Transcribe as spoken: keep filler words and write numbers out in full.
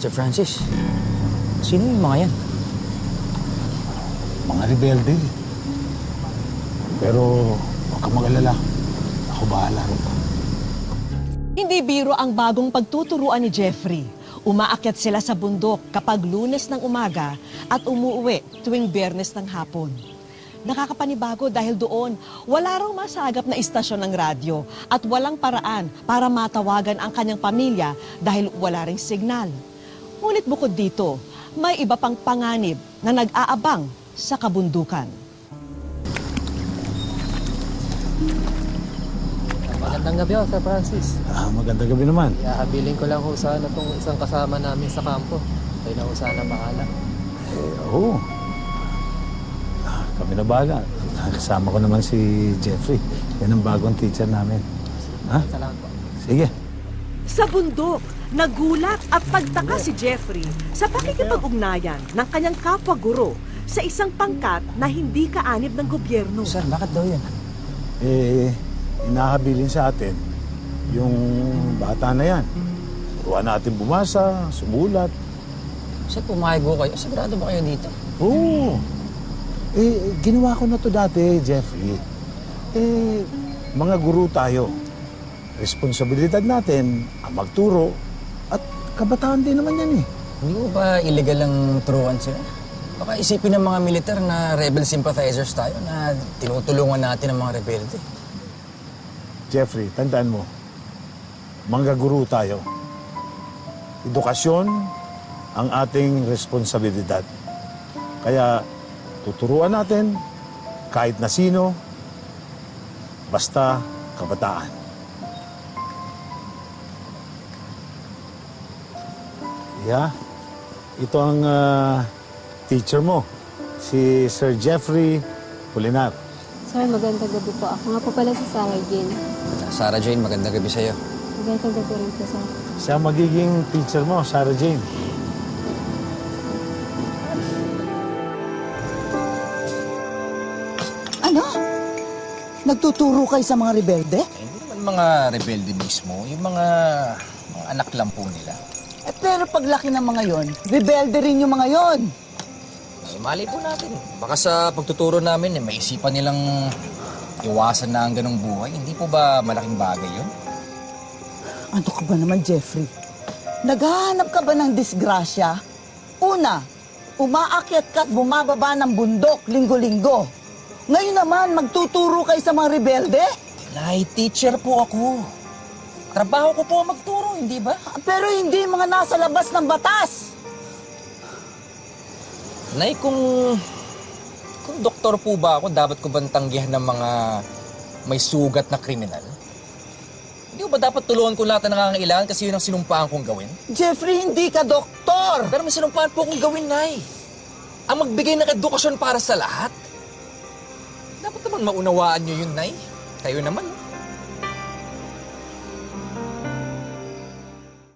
Sir Francis, sino yung mga yan? Mga rebelde. Pero huwag kang mag-alala. Ako bahala rin. Hindi biro ang bagong pagtuturuan ni Jeffrey. Umaakyat sila sa bundok kapag Lunes ng umaga at umuwi tuwing Biyernes ng hapon. Nakakapanibago dahil doon, wala raw masagap na istasyon ng radyo at walang paraan para matawagan ang kanyang pamilya dahil wala ring signal. Ngunit bukod dito, may iba pang panganib na nag-aabang sa kabundukan. Magandang gabi ho, Sir Francis. Ah, magandang gabi naman. Ihahabilin ko lang ho sana itong isang kasama namin sa kampo. Kayo na ho sana bahala. Eh, oo. Ah, kami na bahala. Kasama ko naman si Jeffrey. Yan ang bagong teacher namin. Ha? Salamat po. Sige. Sa bundok, nagulat at pagtaka si Jeffrey sa pakikipag-ugnayan ng kanyang kapwa-guro sa isang pangkat na hindi kaanib ng gobyerno. Sir, bakit daw yan? Eh, inahabilin sa atin yung bata na yan. Turuan natin bumasa, sumulat. Sir, pumayag ko kayo. Sigurado ba kayo dito? Oo. Eh, ginawa ko na to dati, Jeffrey. Eh, mga guru tayo. Responsibilidad natin ang magturo at kabataan din naman yan eh. Hindi ko ba illegal ang turuan sila? Baka isipin ng mga militar na rebel sympathizers tayo na tinutulungan natin ang mga rebelde. Jeffrey, tandaan mo, manggaguru tayo. Edukasyon ang ating responsibilidad. Kaya tuturuan natin kahit na sino, basta kabataan. Yeah, ito ang uh, teacher mo, si Sir Jeffrey Pulinar. Sir, magandang gabi po. Ako nga po pala si Sarah Jane. Sarah Jane, magandang gabi sa'yo. Magandang gabi rin po, sir. Siya magiging teacher mo, Sarah Jane. Ano? Nagtuturo kayo sa mga rebelde? Eh, hindi naman mga rebelde mismo, yung mga, mga anak lang po nila. Eh, pero paglaki ng mga yon, rebelde rin yung mga yon. Eh, mali po natin. Baka sa pagtuturo namin, eh, maisipan nilang iwasan na ang ganong buhay. Hindi po ba malaking bagay yun? Ano ka ba naman, Jeffrey? Naghahanap ka ba ng disgrasya? Una, umaakyat ka at bumababa ng bundok linggo-linggo. Ngayon naman, magtuturo kayo sa mga rebelde? Nay, teacher po ako. Trabaho ko po ang magturo, hindi ba? Pero hindi mga nasa labas ng batas. Nay, kung... Kung doktor po ba ako, dapat ko bang tanggihan ng mga may sugat na kriminal? Hindi ko ba dapat tulungan ko lahat na nangangailangan kasi yun ang sinumpaan kong gawin? Jeffrey, hindi ka doktor. Pero may sinumpaan po akong gawin, Nay. Ang magbigay ng edukasyon para sa lahat. Dapat naman maunawaan nyo yun, Nay. Kayo naman,